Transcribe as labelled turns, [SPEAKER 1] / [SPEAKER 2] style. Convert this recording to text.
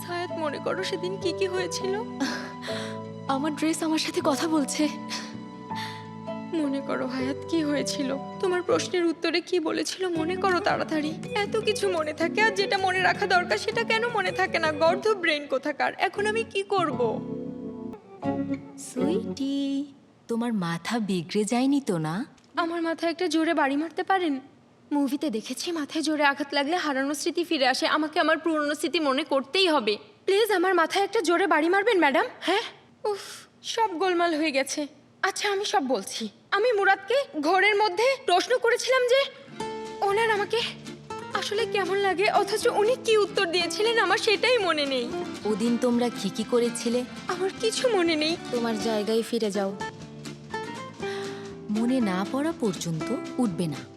[SPEAKER 1] হায়াত, মনে করো সেদিন কি কি হয়েছিল?
[SPEAKER 2] আমার ড্রেস আমার সাথে কথা বলছে।
[SPEAKER 1] মনে করো হায়াত, কি হয়েছিল? তোমার প্রশ্নের উত্তরে কি বলেছিল মনে করো তাড়াতাড়ি। এত কিছু মনে থাকে আর যেটা মনে রাখা দরকার সেটা কেন মনে থাকে না? গর্ধ ব্রেন কোথাকার। এখন আমি কি করব?
[SPEAKER 2] সুইটি, তোমার মাথা বিগড়ে যায়নি তো না?
[SPEAKER 1] আমার মাথায় একটা জোরে বাড়ি মারতে পারেন? মুভিতে দেখেছি মাথায় জোরে আঘাত লাগলে হারানো স্মৃতি ফিরে আসে। আমাকে আমার পুরনো স্মৃতি মনে করতেই হবে। প্লিজ আমার মাথায় একটা জোরে বাড়ি মারবেন ম্যাডাম। হ্যাঁ, উফ, সব গোলমাল হয়ে গেছে। আচ্ছা, আমি সব বলছি। আমি মুরাদকে ঘরের মধ্যে প্রশ্ন করেছিলাম যে ওনার আমাকে আসলে কেমন লাগে, অথচ উনি কি উত্তর দিয়েছিলেন আমার সেটাই মনে নেই।
[SPEAKER 2] ওদিন তোমরা কি কি করেছিলে?
[SPEAKER 1] আমার কিছু মনে নেই।
[SPEAKER 2] তোমার জায়গায় ফিরে যাও। মনে না পড়া পর্যন্ত উঠবে না।